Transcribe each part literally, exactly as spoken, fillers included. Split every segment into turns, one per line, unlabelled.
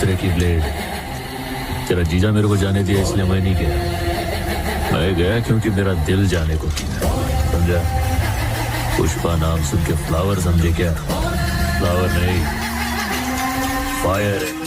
दूसरे की ब्लेड। तेरा जीजा मेरे को जाने दिया इसलिए मैं नहीं गया। मैं गया क्योंकि मेरा दिल जाने को किया, समझा? पुष्पा नाम सुन के फ्लावर समझे क्या? फ्लावर नहीं, फायर है।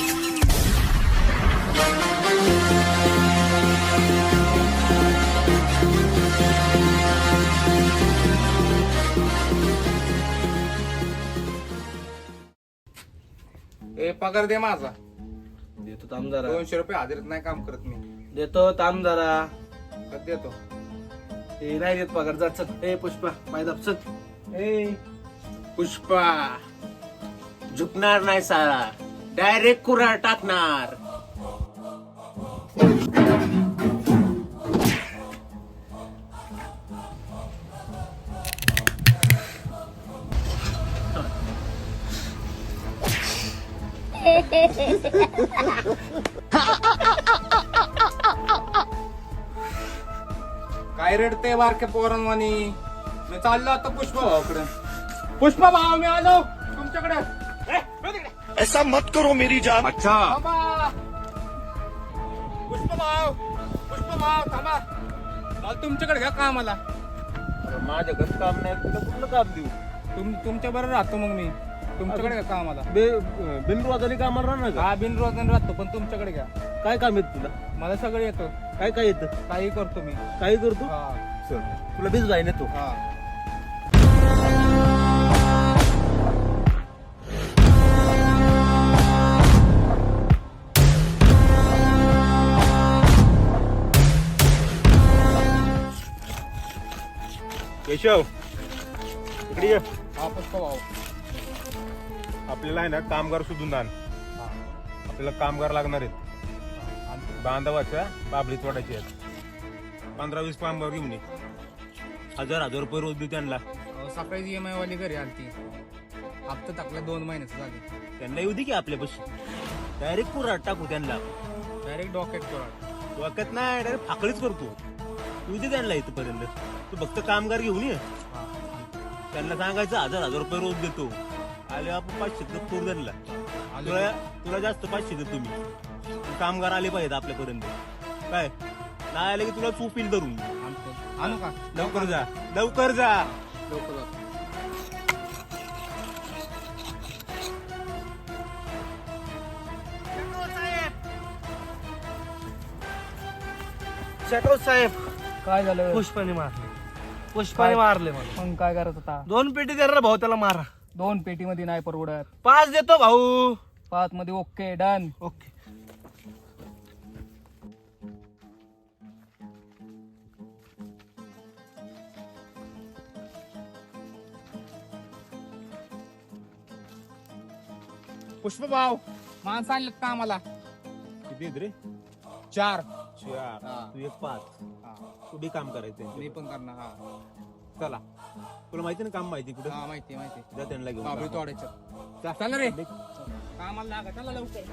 ए पगार दे माझा.
देतो थांब जरा.
दोनशे रुपये हाजरीत नाही काम करत मी.
देतो थांब जरा.
कधी देतो?
ए नाही देत पगार. जा चल. ए पुष्पा पाय दाब चल. ए
पुष्पा झुकणार नाही सारा, डायरेक्ट कुऱ्हाड टाकणार.
काय रडते बारके पोरांवानी? मी चाललो आता पुष्पा भावाकडे. पुष्पा भाव मी आलो तुमच्याकडे.
ऐसा मत करो मेरी जान.
अच्छा थांबा. पुष्पा भाव, पुष्पा भाव थांबा. मला तुमच्याकडे घ्या कामाला.
माझ्या घरी काम नाही, तुला कुठलं काम देऊ?
तुम तुमच्या बरोबर राहतो मग मी. तुमच्याकडे घ्या कामाला.
बिनरोजानी कामाला राहणार का?
हा बिनरोजन राहतो पण तुमच्याकडे घ्या.
काय काम येत तुला?
मला सगळं येतं.
काय काय येतं?
काही करतो मी.
काही करतो?
हा
चल तुला बीज जाईन येतो.
हा.
केशव इकडे ये.
हा पुष्पा भाऊ.
आपल्याला आहे ना कामगार शोधून आण. आपल्याला कामगार लागणार आहेत. बांधवाच्या बाबळी तोडायची आहेत. पंधरा वीस कामगार घेऊन ये. हजार हजार रुपये रोज देऊ त्यांना.
अहो, सकाळी ईएमआय वाली घरी आलती. हप्ता टाकला दोन महिन्याचं झाले.
त्यांना येऊ दे की आपल्यापाशी. डायरेक्ट कुऱ्हाड टाकू त्यांना.
डायरेक्ट डॉकेट करा.
डोक्यात नाही, डायरेक्ट फाकळीच करतो. येऊ दे त्यांना इथपर्यंत. तू फक्त कामगार घेऊन ये. त्यांना सांगायचं हजार हजार रुपये रोज देतो. आले आपण पाचशे करू त्यांना. तुला तुला जास्त पाचशे देतो मी. कामगार आले पाहिजेत आपल्यापर्यंत. काय नाही आले की तुला चोपील धरून.
आणू का?
लवकर जा, लवकर जा.
लवकर जा.
शेटो साहेब
काय झालं?
पुष्पाने मारले. पुष्पाने मारले मला.
मग काय करत होता?
दोन पेटी द्या रे भाऊ, त्याला मारा.
दोन पेटी मध्ये नाही परवडत.
पाच देतो भाऊ.
पाच मध्ये ओके डन.
ओके.
पुष्पा भाऊ माणसं आणलं का आम्हाला?
किती आहेत रे?
चार.
चार.
हा.
तू एक पाच.
हा.
तू बी काम करायचं.
मी पण करणार. हा
चला, तुला माहिती ना काम माहिती कुठं?
हा माहिती माहिती.
जा त्यांना घेऊन.
बाबरी तोडायचं. चला रे कामाला लागा. चला लवकर.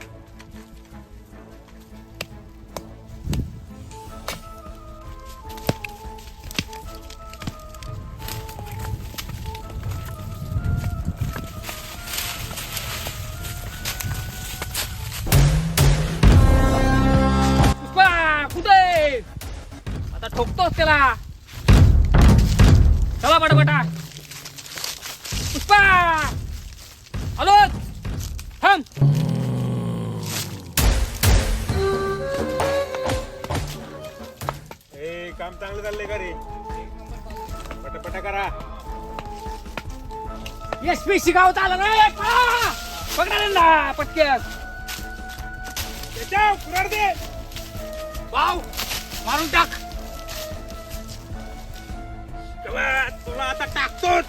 कुठे आता ठोकतोस त्याला. चला पटापटा. पुष्पा हॅलो थांब.
ए काम चांगलं चाललंय का रे? पटापटा करा.
एस पी शिकावत आला रे. पकडा पटक्यात.
कुऱ्हाड दे.
वाव मारून टाक.
तुला आता टाकतोच.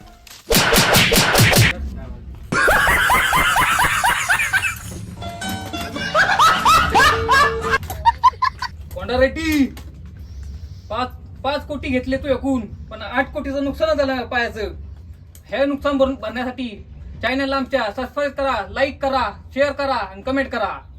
कोंडा रेड्डी पाच पाच कोटी घेतले तू एकूण, पण आठ कोटीचं नुकसान झालं पायाचं. हे नुकसान भरून भरण्यासाठी चॅनलला आमच्या सबस्क्राईब करा, लाईक करा, शेअर करा आणि कमेंट करा.